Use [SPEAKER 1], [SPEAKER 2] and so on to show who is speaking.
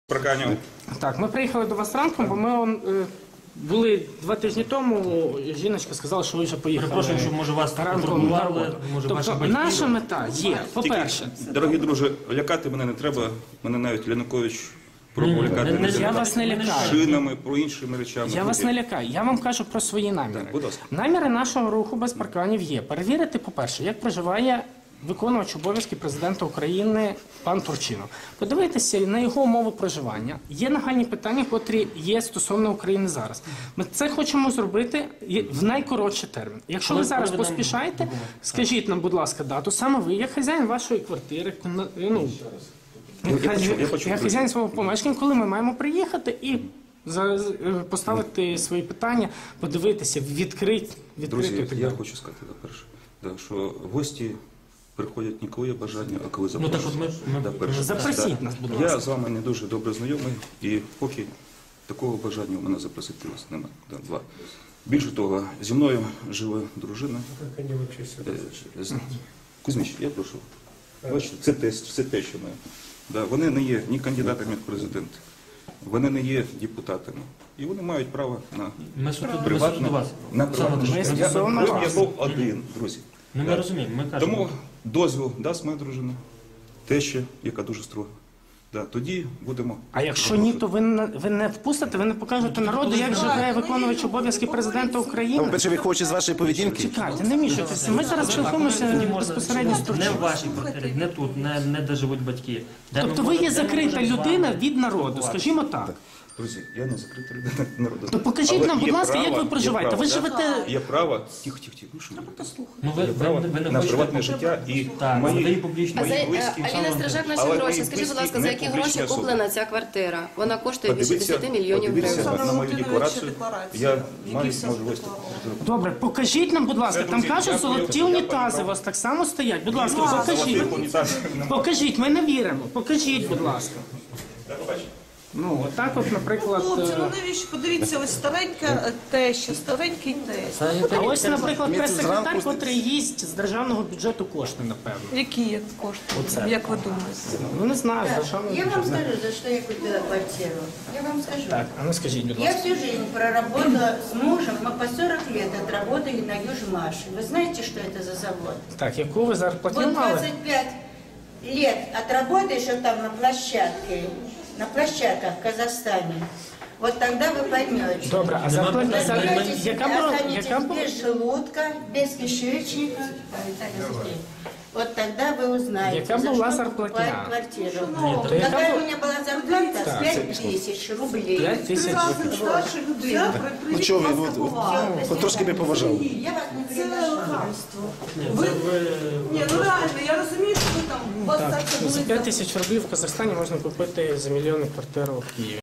[SPEAKER 1] Проканів.
[SPEAKER 2] Так, ми приїхали до вас ранком, бо ми були 2 тижні тому, жіночка сказала, що ви вже поїхали.
[SPEAKER 3] Перепрошую, що може вас
[SPEAKER 2] ранком на роботу.
[SPEAKER 3] може ваші
[SPEAKER 2] Тобто
[SPEAKER 3] батьки.
[SPEAKER 2] наша мета є, по-перше,
[SPEAKER 1] Дорогі друзі, лякати мене не треба. Мене навіть Янукович пробував лякати
[SPEAKER 2] я вас не лякаю.
[SPEAKER 1] шинами, про іншими речами.
[SPEAKER 2] Я вас не лякаю, я вам кажу про свої наміри.
[SPEAKER 1] будь ласка.
[SPEAKER 2] Наміри нашого руху без парканів є. Перевірити, по-перше, як проживає виконувач обов'язків президента України пан Турчинов. Подивитися на його умови проживання. Є нагальні питання, котрі є стосовно України зараз. Ми це хочемо зробити в найкоротший термін. Якщо ви зараз поспішаєте, скажіть нам, будь ласка, дату. Саме ви, як хазяїн вашої квартири, як хазяїн свого помешкання, коли ми маємо приїхати і поставити свої питання, подивитися, відкрити.
[SPEAKER 1] Друзі, я хочу сказати, перше, що гості приходять не коли є бажання, а коли запрошують.
[SPEAKER 2] Запросіть нас, будь ласка.
[SPEAKER 1] Я з вами не дуже добре знайомий, і поки такого бажання у мене запросити вас немає. Два. Більше того, зі мною живе дружина. Кузьміч, я прошу. Бачите, це те, що ми. Вони не є ні кандидатами в президенти, вони не є депутатами. І вони мають право на приватне життя. Я був один, друзі.
[SPEAKER 3] Ми розуміємо, ми кажемо.
[SPEAKER 1] Тому дозвіл дасть моя дружина, теща, яка дуже строга. Тоді будемо...
[SPEAKER 2] А якщо ні, то ви не впустите, ви не покажете народу, як живе виконувач обов'язків президента України?
[SPEAKER 4] По-перше, ви хочете з вашої поведінки?
[SPEAKER 2] Чекайте, не мішайтеся. Ми зараз спілкуємося безпосередньо з
[SPEAKER 3] Не в
[SPEAKER 2] Турчиновим.
[SPEAKER 3] вашій квартирі, не тут, не де живуть батьки.
[SPEAKER 2] Тобто ви є закрита людина від народу, скажімо так.
[SPEAKER 1] Друзі, я не закрита людина народу.
[SPEAKER 2] То покажіть нам, будь ласка, як ви проживаєте. Ви живете...
[SPEAKER 1] Є право... Тихо, ну що ви?
[SPEAKER 3] Є право
[SPEAKER 1] на приватне життя і мої близькі.
[SPEAKER 5] Аліна Стражак, наші гроші. Скажіть, будь ласка, за які гроші куплена ця квартира? Вона коштує більше 10 мільйонів гривень.
[SPEAKER 1] На мою декларацію, я маю можливість.
[SPEAKER 2] Добре, покажіть нам, будь ласка, там кажуть, золоті унітази у вас так само стоять. Будь ласка, покажіть. Покажіть, ми не віримо. Покажіть, будь ласка. Ну, отак от, наприклад...
[SPEAKER 6] Хлопці, ну навіщо? Подивіться, ось старенька теща, старенький тесть.
[SPEAKER 2] А ось, наприклад, прес-секретар, котрий їсть з державного бюджету кошти, напевно.
[SPEAKER 6] Які є кошти, як ви думаєте?
[SPEAKER 2] Ну, не знаю, з державного
[SPEAKER 7] Я вам
[SPEAKER 2] бюджету.
[SPEAKER 7] скажу, за что я купила квартиру. Я вам скажу.
[SPEAKER 2] Так, а ну скажіть, будь
[SPEAKER 7] Я
[SPEAKER 2] ласка.
[SPEAKER 7] всю жизнь проработала с мужем, мы по 40 лет отработали на Южмаше. Вы знаете, что это за завод?
[SPEAKER 2] Так, яку ви зарплату
[SPEAKER 7] Вот
[SPEAKER 2] мали?
[SPEAKER 7] 25 лет отработаешь вот там на площадках в Казахстане. Вот тогда вы поймете.
[SPEAKER 2] Добре, а зарплата...
[SPEAKER 7] Разберетесь,
[SPEAKER 2] Яка була...
[SPEAKER 7] останетесь без желудка, без кишечника. Вот тогда вы узнаете,
[SPEAKER 2] Яка
[SPEAKER 7] за
[SPEAKER 2] була
[SPEAKER 7] что
[SPEAKER 2] зарплатня?
[SPEAKER 7] покупают квартиру.
[SPEAKER 2] то яка
[SPEAKER 7] Какая
[SPEAKER 2] була-
[SPEAKER 7] у меня была зарплата? 5000 рублей.
[SPEAKER 2] 5 тисяч.
[SPEAKER 6] Старша людина
[SPEAKER 4] Ну чого ви, хоч трошки би поважали.
[SPEAKER 7] Я вас не приглашала.
[SPEAKER 6] Ні, ну реально, я розумію, що ви там, у вас так це
[SPEAKER 2] За
[SPEAKER 6] були...
[SPEAKER 2] 5 тисяч рублів в Казахстані можна купити за мільйонну квартиру в Києві.